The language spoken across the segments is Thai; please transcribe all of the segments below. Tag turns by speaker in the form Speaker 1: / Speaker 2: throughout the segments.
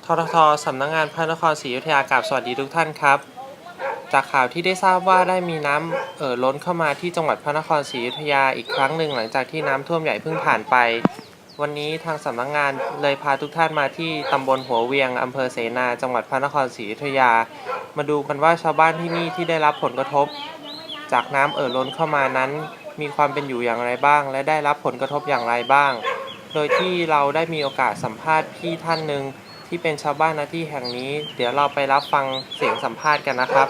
Speaker 1: ททท.สำนักงานพระนครศรีอยุธยากราบสวัสดีทุกท่านครับจากข่าวที่ได้ทราบว่าได้มีน้ำล้นเข้ามาที่จังหวัดพระนครศรีอยุธยาอีกครั้งหนึ่งหลังจากที่น้ำท่วมใหญ่เพิ่งผ่านไปวันนี้ทางสำนักงานเลยพาทุกท่านมาที่ตำบลหัวเวียงอำเภอเสนาจังหวัดพระนครศรีอยุธยามาดูกันว่าชาวบ้านที่นี่ที่ได้รับผลกระทบจากน้ำล้นเข้ามานั้นมีความเป็นอยู่อย่างไรบ้างและได้รับผลกระทบอย่างไรบ้างโดยที่เราได้มีโอกาสสัมภาษณ์พี่ท่านหนึ่งที่เป็นชาวบ้านณที่แห่งนี้เดี๋ยวเราไปรับฟังเสียงสัมภาษณ์กันนะครับ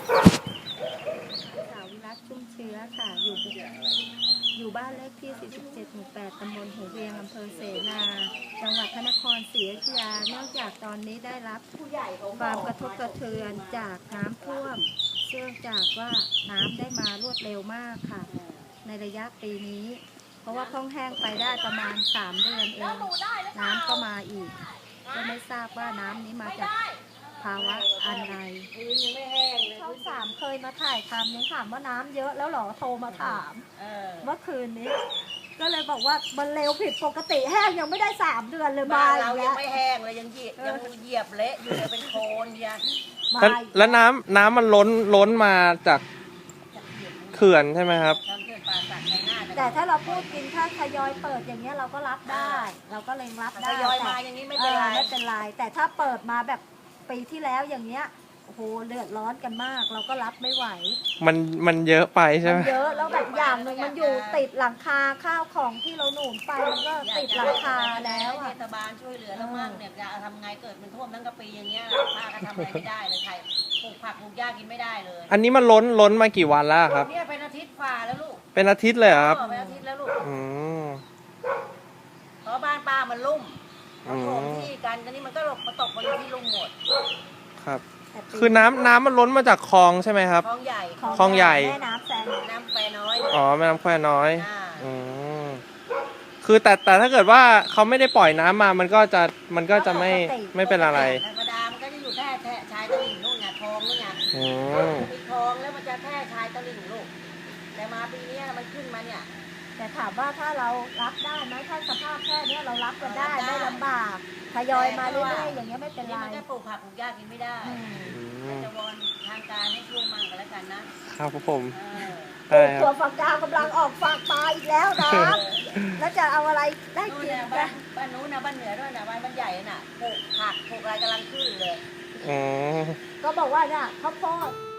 Speaker 2: สาววิรัตชุ่มเชื้อค่ะอยู่บ้านเลขที่ 47 หมู่ 8 ตำบลหัวเวียง อำเภอเสนา จังหวัดพระนครศรีอยุธยาเนื่องจากตอนนี้ได้รับความกระทบกระเทือนจากน้ำท่วมเนื่องจากว่าน้ำได้มารวดเร็วมากค่ะในระยะปีนี้เพราะว่าเพิ่งแห้งไปได้ประมาณ3 เดือนเองน้ำก็มาอีกก็ไม่ทราบว่าน้ำนี้มาจากภาวะอะไรช่อง3เคยมาถ่ายทำยังถามว่าน้ำเยอะแล้วหรอโทรมาถามเมื่อคืนนี้ก็เลยบอกว่ามันเร็วผิดปกติแห้งยังไม่ได้3 เดือนเลยมา
Speaker 3: เรายังไม่แห้งเลยยังเหยียบเละอยู่เลยเป็นโคลนยัง
Speaker 1: แล้วน้ำมันล้นมาจากเขื่อนใช่ไหมครับ
Speaker 2: แต่ถ้าเราพูดกินถ้าทยอยเปิดอย่างเงี้ยเราก็รับได้ เราก็เลยรับได้
Speaker 3: ทยอยมาอย่างนี้ไม่เป็นไร
Speaker 2: ไม่เป็นไรแต่ถ้าเปิดมาแบบปีที่แล้วอย่างเงี้ยโอ้โหเดือดร้อนกันมากเราก็รับไม่ไหว
Speaker 1: มันเยอะไปใช่ไหม
Speaker 2: เยอะแล้วแบบอย่างหนึ่งมันอยู่ติดหลังคาข้าวของที่เราหนุนไปมันก็ติดหลังคาแล้ว
Speaker 3: เทศบาลช่วยเหลือเรามั่งเนี่ยจะทำไงเกิดมันท่วมทั้งกะปีอย่างเงี้ยป้าก็ทำอะไรไม่ได้เลยใครปลูกผักปลูกหญ้ากินไม่ได้เลย
Speaker 1: อันนี้มันล้นมากี่วันแล้วครับ
Speaker 3: เนี่ยเป็นอาทิตย์ฝ่าแล้วลูก
Speaker 1: เป็นอาทิตย์เลยครับ
Speaker 3: เป็นอาทิตย์แล้วลูกเพราะบ้านป้ามันลุ่มเขาโถมที่กันตอนนี้มันก็ตกมาอยู่ที่ลุ่มหมด
Speaker 1: ครับคือน้ำมันล้นมาจากคลองใช่ไหมครับ
Speaker 3: คลองใหญ่
Speaker 1: คลองใหญ่
Speaker 2: แม่น้ำแคว
Speaker 3: น้อย
Speaker 1: อ๋อแม่น้ำแควน้อยคือแต่ถ้าเกิดว่าเขาไม่ได้ปล่อยน้ำมามันก็จะไม่เป็นอะไร
Speaker 3: ธรรมดามันก็จะอยู่แค่ชายตลิ่งนู่นไงคลองนู่นไงมีคลองแล้วมันจะแค่ชายตลิ่งลูกแต่มาปีนี้มันขึ้นมาเนี่ย
Speaker 2: แต่ถามว่าถ้าเรารับได้ไหมถ้าสภาพแค่นี้เรารับกันได้ไม่ลำบากทยอยมาเรื่อยๆอย่างเงี้ยไม่เป็นไร
Speaker 3: มันจะปลูกผักปลูกหญ้ากินไม่ได้จะวอนทางการให้ช่วยมั่งกันแล้วกันนะครับ
Speaker 1: ผม
Speaker 2: ตัวฝักดาวกำลังออกฝักปลาอีกแล้วนะแล้วจะเอาอะไรได้กิน
Speaker 3: บ้านนู้นนะบ้านเหนือด้วยนะบ้านใหญ่น่ะปลูกผักปลูกอะไรกำลังขึ้นเลย
Speaker 2: ก็บอกว่าเนี่ยข้าวโพด